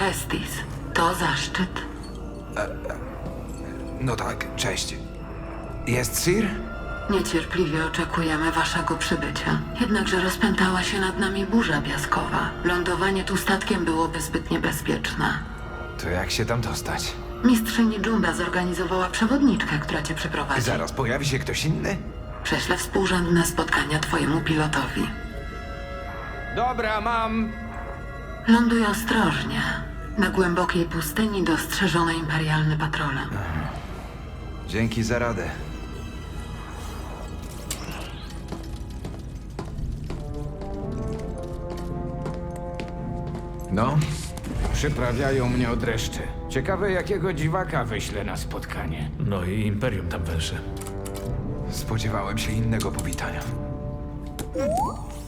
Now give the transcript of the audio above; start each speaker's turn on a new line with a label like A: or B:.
A: Estis. To zaszczyt.
B: No tak, cześć. Jest Sir?
A: Niecierpliwie oczekujemy waszego przybycia. Jednakże rozpętała się nad nami burza piaskowa. Lądowanie tu statkiem byłoby zbyt niebezpieczne.
B: To jak się tam dostać?
A: Mistrzyni Junda zorganizowała przewodniczkę, która cię przeprowadzi.
B: Zaraz pojawi się ktoś inny?
A: Prześlę współrzędne spotkania twojemu pilotowi.
B: Dobra, mam.
A: Ląduj ostrożnie. Na głębokiej pustyni dostrzeżone imperialne patrole.
B: Dzięki za radę. No,
C: Przyprawiają mnie o dreszcze. Ciekawe, jakiego dziwaka wyślę na spotkanie.
D: No i Imperium tam węże.
B: spodziewałem się innego powitania.